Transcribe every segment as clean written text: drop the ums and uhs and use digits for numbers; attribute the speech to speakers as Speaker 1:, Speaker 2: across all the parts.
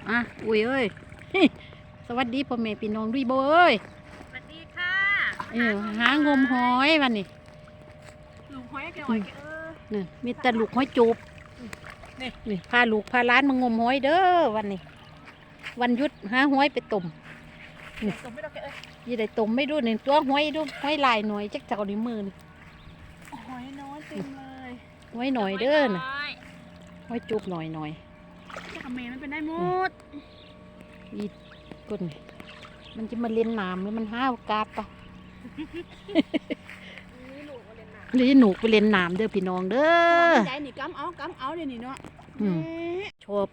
Speaker 1: อ่ะอุ้ยเอ้ย สวัสดีพ่อแม่พี่น้องด้วยโบเอ้ย
Speaker 2: สวัสดีค่ะ
Speaker 1: หางมหอยวันนี้
Speaker 2: ลูกหอยแกหอยแก
Speaker 1: นี่มีแต่ลูกหอยจูบนี่พาลูกพาล้านมางมหอยเด้อวันนี้ วันหยุดหาหอยไปต้มนี่
Speaker 2: ต้มไม่ต้องแก
Speaker 1: ยี่ได้ต้มไม่ดูหนึ่งตัวหอยดูหอยลายหน่อยจักเจ้าในมือนี่
Speaker 2: หอยน้อยเต็มเลย
Speaker 1: หอยหน่อยเด้อน่ะหอยจูบหน่อย
Speaker 2: จะทำเมย์มันเป็นได้หมด
Speaker 1: อีกุนมันจะมาเล่นน้ำหรือมันห้าวกาดปะนี่หนูไปเล่นน้ำเด้อพี่น้องเด้อ
Speaker 2: ใจนี่กำเอาเดี๋ยวนี้เนาะ
Speaker 1: ชอบ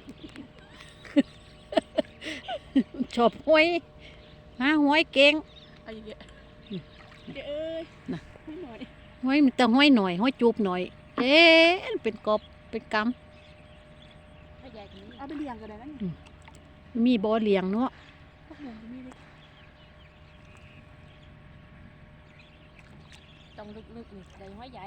Speaker 1: ชอบหอยหาหอยเก่ง
Speaker 2: อะไรเงี้ยเอ้ย
Speaker 1: นะหอยมันแต่หอยหน่อยหอยจูบหน่อยเป็นกบเป็นกำ
Speaker 2: เอาไปเลี้ยงกันได้ไหม
Speaker 1: มีบ่อเลี้ยงเนาะ
Speaker 2: ต้องลึกๆนี่ใหญ่ห้อยใหญ่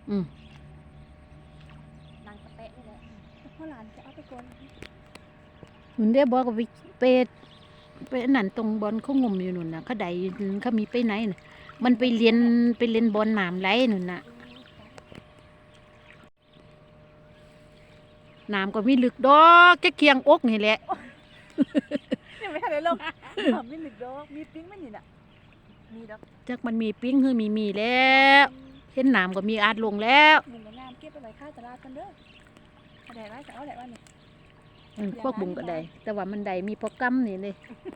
Speaker 2: นางกระเตะนี่แหละพ่อหลานจะเอาไปก่อน
Speaker 1: หนุนได้บอกกับไปนั่นตรงบอลเขางมอยู่หนุนน่ะเขาใดเขามีไปไหนน่ะมันไปเรียนบอลหนามไรหนุนน่ะหนามก็มีลึกดอกแค่เคียงอกนี่แหละ
Speaker 2: ยังไม่ทันได้ลงมีลึกดอกมีปิ้งไม่นี่น่ะมีดอก
Speaker 1: จักมันมีปิ้งคือมีแล้วเห็นหนามก็มีอาจลงแล้ว
Speaker 2: บุ้งกับงามเก็บไปไว้ข้าวตลาดกันเด้ออะไรไว้จะเอาอะไรวะ
Speaker 1: นี่พวกบุ้งก็ได้แต่ว่ามันได้มีพอกำนี่เลย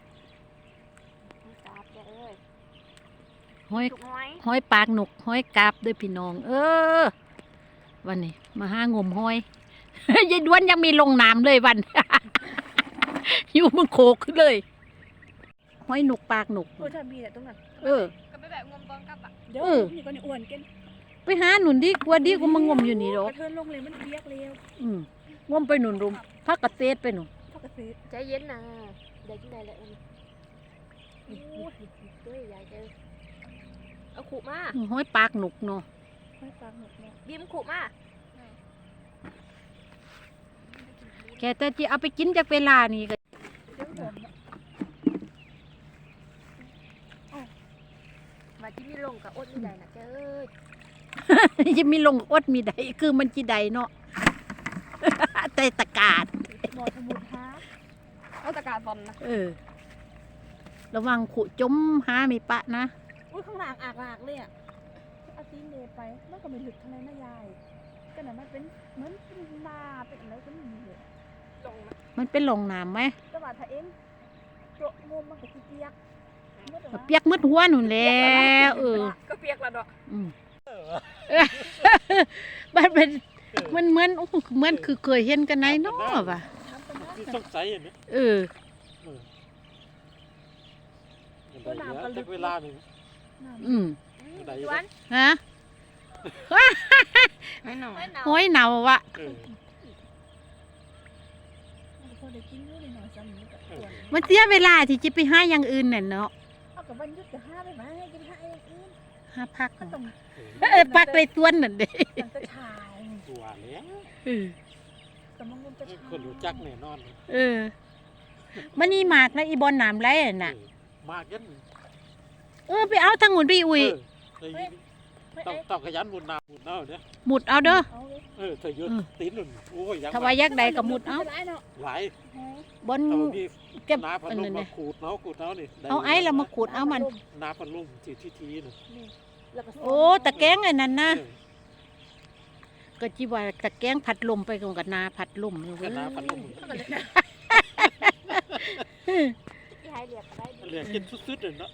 Speaker 1: หอยปากหนกหอยกาบด้วยพี่น้องวันนี้มาหางมหอยยายด้วนยังมีลงน้ำเลยวัน อยู่มึงโขกขึ้นเลยหอยหนกปากหนก
Speaker 2: ถ้ามีแต่ตรงนั้นก็ไปแบบงมตอนกลับอ่ะเดี๋ยวนี่ก็นี่อ้วนกัน
Speaker 1: ไปหาหนุนดิกว่าดิกูมางมอยู่นี่หรอก
Speaker 2: เทินลงเลยมันเปียกเร็ว
Speaker 1: งมไปหนุนรุมพักกระเตดไปหนุน
Speaker 2: พักกระเตดใจเย็นนะเดี๋ยวที่ไหนแหละตัวใหญ่เจอเอาขู่มา
Speaker 1: หอยปากหนกเนาะ
Speaker 2: หอยปากหนกเนาะบีมขู่มา
Speaker 1: แกแต่ที่เอาไปกินจากเวลานี่ก็
Speaker 2: มาที่มีลงกับอดมีใดนะเจ้
Speaker 1: ยจะมีลงอดมีใดคือมันจีใดเนาะแต่ตะกาด
Speaker 2: หมอสมุนฮะเอาตะกาดบอลนะ
Speaker 1: ระวังขุจมหาไม่ปะนะ
Speaker 2: อุ้ยข้างหลังอากเลยอ่ะเอาตีนเนไปมันก็ไม่ถึกทำไมนะยายก็น่ะมันเป็นเหมือนนาเป็นอะไรก็ไม่มีเลย
Speaker 1: มันเป็นลงน้ำไหม
Speaker 2: จังหวัดไทยเองโจงมมันก็เปียก
Speaker 1: เปียกมืดหัวหนุนแล้ว
Speaker 2: ก็เปียกละดอก
Speaker 1: มันเป็นมันเหมือนคือเคยเห็นกันไหนเนาะว่ะ
Speaker 3: ต้องใส่เห็นไหมเวลาหนึ่ง
Speaker 1: ฮะห้อยเหนาวะมันเสียเวลาที่จะไปหาอย่างอื่นน่ะเนาะ
Speaker 2: เอากับวันยุดจะหาไปไหมจะหาอย่างอื่น
Speaker 1: หาพักพักในสวนนั่นเด้
Speaker 2: จะชาย
Speaker 3: ตัวแล้ว
Speaker 2: แต่มันจะชาย
Speaker 3: คนรู้จักแน่นอน
Speaker 1: มันนี่หมากนะอีบอลหนามไรน่ะ
Speaker 3: มากยัน
Speaker 1: ไปเอาทางหุ่นพี่อุ้ย
Speaker 3: ต้องขยันหมุดน้ำเนี่ย
Speaker 1: หมุดเอาเด้อ
Speaker 3: เธอยืดตีนหนุนโอ้ย
Speaker 1: ถ้าว่ายักษ์ใดกับหมุดเอา
Speaker 3: หลาย
Speaker 1: บน
Speaker 3: เก็บน้าพันลุ่มมาขูดเนานี่
Speaker 1: เอาไอ้เรามาขูดเอามัน
Speaker 3: น้าพันลุ่มทีน่ะ
Speaker 1: โอ้ตะแกงไอ้นั่นนะก็จีว่าตะแกงผัดลมไปกับนาผัดลม
Speaker 3: เลยนาผัดลมเหลือกินสุดๆเลยเนาะ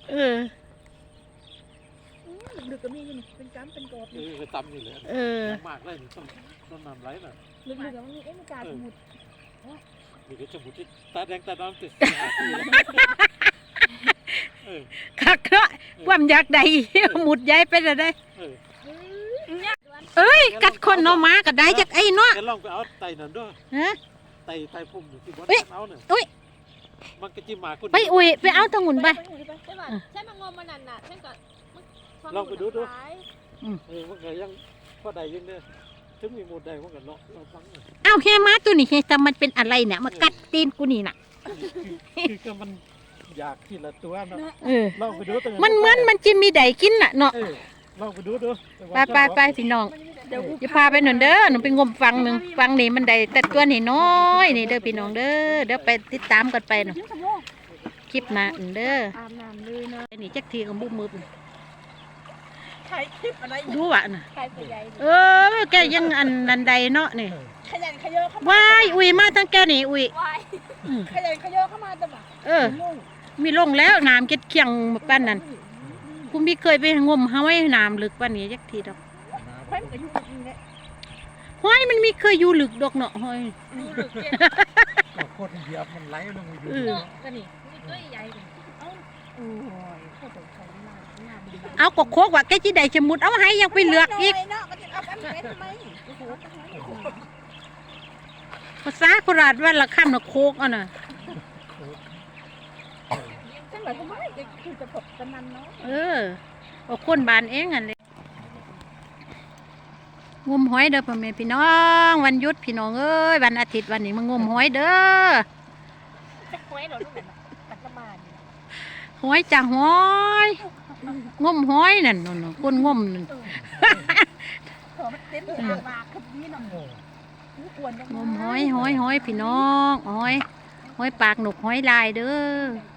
Speaker 2: ลึกก็มีอยู่เป็นจ้ำเป็นกรอบ
Speaker 3: ตำอยู่เลยมากเลยต้องนำไรน่ะ
Speaker 2: ลึกๆมันมีมีการสมุด
Speaker 3: มีกระสมุดที่ตาแดงตาดำติด
Speaker 1: คักเนาะความอยากใดหมุดใหญ่ไปเลยได้กัดคนเนาะมากัดได้จากไอ้เนาะ
Speaker 3: ลองไปเอาไตนั่นด้วยไตพุ่มที่บนเอาเนี่ยมันก็จิ้มมาคุณ
Speaker 1: ไปไปเอาทางหุ่นไป
Speaker 2: ใช่มางมมันนั่นน่ะใช่ก่อน
Speaker 3: ลองไปดูมันก็ยังพอใดยังเนี่ยถึงมีหมดได้มันก็เลาะเราฟังเลย
Speaker 1: เอ้าแฮมาตัวนี้เฮแต่มันเป็นอะไรเนี่ยมากัดตีนกูนี่น่ะ
Speaker 3: คือก็มันอยากทีละตัวเนาะ
Speaker 1: เออ
Speaker 3: ลองไปดูตัว
Speaker 1: มันเหมือนมันจะมีไดกินน่ะเนาะ
Speaker 3: ลองไปดูดู
Speaker 1: ไปพี่น้องจะพาไปหน่อยเด้อหนูไปงมฟังหนึ่งฟังนี่มันได้แต่ตัวนี่น้อยนี่เด้อพี่น้องเด้อเดี๋ยวไปติดตามกันไปเนาะคลิปหน้าเด้อ
Speaker 2: อาบน้ำเลยนะ
Speaker 1: ไอ้นี่จักทีก็มุบมืบ
Speaker 2: ถ่ายคลิปอะไร
Speaker 1: ดูว่ะน่ะ
Speaker 2: ถ่ายผู้ใหญ่
Speaker 1: แกยังอันใดเนาะนี่
Speaker 2: ขยันขยอเข้ามา
Speaker 1: ว้ายอุ้ยมาทั้งแกนี่อุ้ย
Speaker 2: ว้ายขยันขยอเข้ามาแต่แบบ
Speaker 1: เออ มีลงแล้วน้ำเก็ดเคียงปานนั้นกูมีเคยไปงมห้อยน้ำลึกปานนี้จักทีดอก
Speaker 2: เพิ่นก็อยู่กับนี่แหละ
Speaker 1: ห้อยมันมีเคยอยู่ลึกดอกเนาะห้อย
Speaker 2: ดูหลึกเจ็บ
Speaker 3: ก็คนเหยียบมันไหลลงไปอยู่
Speaker 2: ก็นี่นี่ตัวใหญ่เลยเอ้าโอ้ยเข้าไปใช้หน้าดี
Speaker 1: เอาก็โคกว่าแกจิได้ชะมุดเอาให้ยังไปเลือกอีก
Speaker 2: เนาะก็จะเอาไปทำไมโอ้โห
Speaker 1: ภาษาโคราชว่าละคำน่ะโคกอ่ะน่ะ
Speaker 2: ฉันหมายความว่าคือจะพบกันนั้นเนาะ
Speaker 1: เอาคนบ้านเองอันเลยงมหอยเด้อพ่อแม่พี่น้องวันหยุดพี่น้องเอ้ยวันอาทิตย์วันนี้มางมหอยเด้อ
Speaker 2: จะคว้เราลูกแบบปัจจุบัน
Speaker 1: หอยจ้าหอยงมหอยนั่นน่ะคนงมนั่น
Speaker 2: ขอมันเต็มปากคือนี้น่ะอ้วนจัง
Speaker 1: งมหอยพี่น้องหอยปากหนกหอยลายเด้อ